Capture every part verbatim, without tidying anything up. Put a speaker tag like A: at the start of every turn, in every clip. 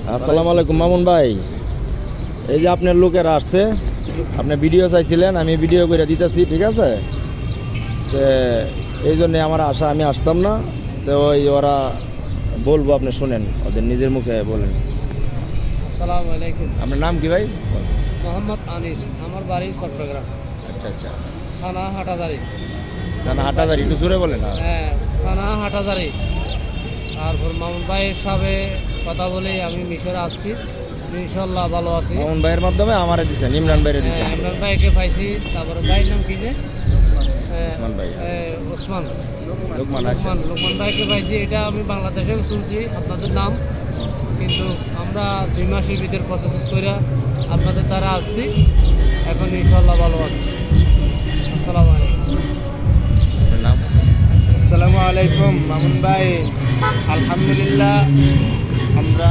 A: আসসালামু আলাইকুম মামুন ভাই, এই যে আপনার লোকেরা আসছে, আপনি ভিডিও চাইছিলেন, আমি ভিডিও করে দিতেছি, ঠিক আছে। তো এই জন্যে আমার আশা, আমি আসতাম না, তো ওই ওরা বলবো, আপনি শুনেন, ওদের নিজের মুখে বলেন।
B: আসসালামু আলাইকুম।
A: আপনার নাম কি ভাই?
B: মোহাম্মদ আনিস, আমার বাড়ি চট্টগ্রাম,
A: আচ্ছা আচ্ছা,
B: থানা হাটাজারি।
A: থানা হাটাজারি, একটু জোরে বলেন।
B: হ্যাঁ, থানা হাটাজারি। তারপর মামুন ভাইয়ের সাথে কথা বলে আমি মিশরে আসছি, ইনশাল্লাহ ভালো আছি।
A: মামুন ভাইয়ের মাধ্যমে আমারে দিচ্ছেন, ইমরান ভাইয়ের দিচ্ছেন।
B: হ্যাঁ, ইমরান ভাইকে পাইছি। তারপরে ভাইয়ের নাম কি যে
A: ওসমান ভাই,
B: ওসমান
A: লোকমান। আচ্ছা,
B: লোকমান লোকমান ভাইকে পাইছি। এটা আমি বাংলাদেশে শুনছি আপনাদের নাম, কিন্তু আমরা দুই মাসের ভিতরে প্রসেস করে আপনাদের দ্বারা আসছি, এখন ইনশাল্লাহ ভালো আছি। আসসালামু আলাইকুম।
A: আপনার নাম?
C: আসসালামু আলাইকুম মামুন ভাই, আলহামদুলিল্লাহ আমরা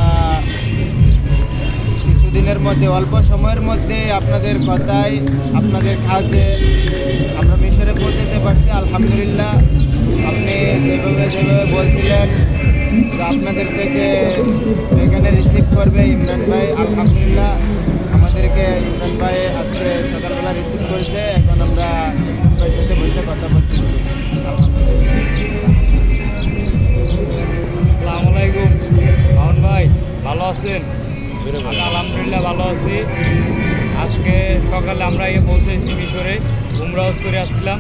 C: কিছুদিনের মধ্যে, অল্প সময়ের মধ্যে আপনাদের কথায়, আপনাদের কাজে আমরা মিশরে পৌঁছাতে পারছি। আলহামদুলিল্লাহ, আপনি যেভাবে যেভাবে বলছিলেন যে আপনাদের থেকে এখানে রিসিভ করবে ইমরান ভাই, আলহামদুলিল্লাহ আমাদেরকে ইমরান ভাই আজকে সকালবেলা রিসিভ করেছে। এখন আমরা ইমরান ভাইয়ের সাথে বসে কথা বলতেছি।
B: আসসালামু আলাইকুম মামুন ভাই, ভালো আছেন? আমি আলহামদুলিল্লাহ ভালো আছি। আজকে সকালে আমরা এ পৌঁছেছি মিশরে, উমরা হজ করে আসছিলাম।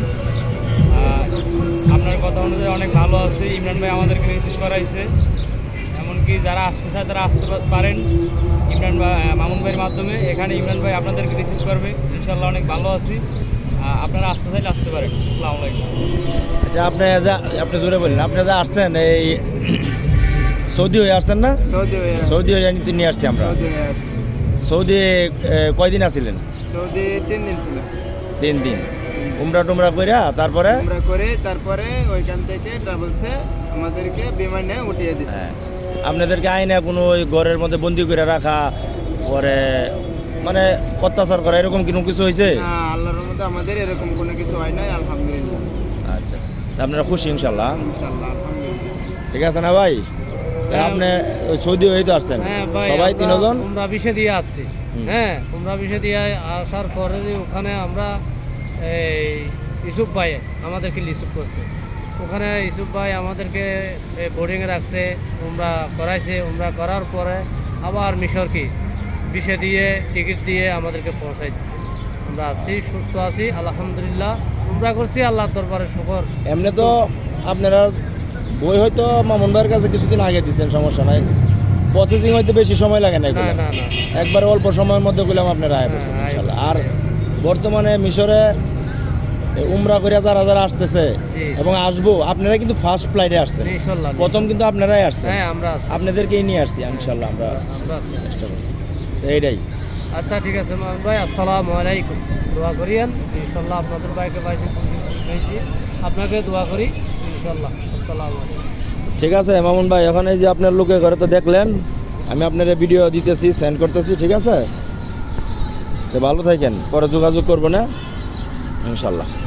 B: আপনার কথা অনুযায়ী অনেক ভালো আছে। ইমরান ভাই আমাদেরকে রিসিভ করাইছে, এমনকি যারা আসতে চায় তারা আসতে পারেন ইমরান ভাই, মামুন ভাইয়ের মাধ্যমে। এখানে ইমরান ভাই আপনাদেরকে রিসিভ করবে, ইনশাল্লাহ অনেক ভালো আছি। আপনারা আসতে চাইলে আসতে পারেন। আসসালামু আলাইকুম।
A: আচ্ছা, আপনি যা আপনি জোরে বলেন, আপনি যা আসছেন এই সৌদি হয়ে আসছেন না?
C: সৌদি হয়ে
A: সৌদি হয়ে নিতে নিয়ে আসছি আমরা।
C: সৌদি হয়ে আসছি।
A: সৌদি কয়দিন আছিলেন?
C: সৌদি তিন দিন ছিল।
A: তিন দিন উমরা টুমরা কইরা তারপরে
C: আমরা করে তারপরে ওইখান থেকে ট্রাভেলসে আমাদেরকে বিমানে উঠিয়ে দিচ্ছে।
A: হ্যাঁ, আপনাদেরকে আইনে কোনো ওই ঘরের মধ্যে বন্দি করে রাখা, পরে মানে অত্যাচার করা, এরকম কোনো কিছু হয়েছে?
C: না, আল্লাহর মধ্যে আমাদের এরকম কোনো কিছু হয় নাই, আলহামদুলিল্লাহ।
A: আচ্ছা, তা আপনারা খুশি ইনশাল্লাহ?
C: ইনশাআল্লাহ, আলহামদুলিল্লাহ।
A: ঠিক আছে না ভাই? তা আপনি ওই সৌদি হয়ে তো আসছেন
B: হ্যাঁ ভাই,
A: সবাই
B: আমরা
A: তিনজন?
B: উমরা বিষে দিয়ে আসছি।
A: হুম।
B: হ্যাঁ, উমরা বিষে দিয়ে আসার পরে যে ওখানে আমরা এই ইউসুফ ভাই আমাদেরকে রিসিভ করছে। ওখানে ইউসুফ ভাই আমাদেরকে বোর্ডিংয়ে রাখছে, উমরা করাইছে। উমরা করার পরে আবার মিশর কি বিষে দিয়ে টিকিট দিয়ে আমাদেরকে পৌঁছাই দিচ্ছে। আমরা আছি, সুস্থ আছি, আলহামদুলিল্লাহ। উমরা করছি, আল্লাহর দরবারে শুকর।
A: এমনি তো আপনারা বই হয়তো মামুন ভাইয়ের কাছে কিছুদিন আগে দিচ্ছেন, সমস্যা নাই। প্রসেসিং হয়তো বেশি সময় লাগে না,
B: না
A: এগুলো
B: না না
A: একবারে অল্প সময়ের মধ্যে গুলাম আপনারা আয়
B: হ্যাঁ, আয়
A: ইনশাল্লাহ। আর বর্তমানে মিশরে উমরা করে যারা যারা আসতেছে
B: জি।
A: এবং আসবো, আপনারা কিন্তু ফার্স্ট ফ্লাইটে আসছেন,
B: ইনশাল্লাহ।
A: প্রথম কিন্তু আপনারাই আসছেন।
B: হ্যাঁ, আমরা আছি,
A: আপনাদেরকেই নিয়ে আসছি ইনশাল্লাহ, আমরা
B: আমরা আছি।
A: চেষ্টা করছি। তো এইটাই।
B: আচ্ছা, ঠিক আছে মামুন ভাই, আসসালামু আলাইকুম। দোয়া করিয়েন, ইনশাল্লাহ আপনাদের বাইকে পাইছি, পেয়েছি, আপনাকে দোয়া করি ইনশাল্লাহ। আসসালামু আলাইকুম।
A: ঠিক আছে মামুন ভাই, এখন এই যে আপনার লোকে ঘরে তো দেখলেন, আমি আপনার ভিডিও দিতেছি, সেন্ড করতেছি, ঠিক আছে? তো ভালো থাকেন, পরে যোগাযোগ করবো না ইনশাল্লাহ।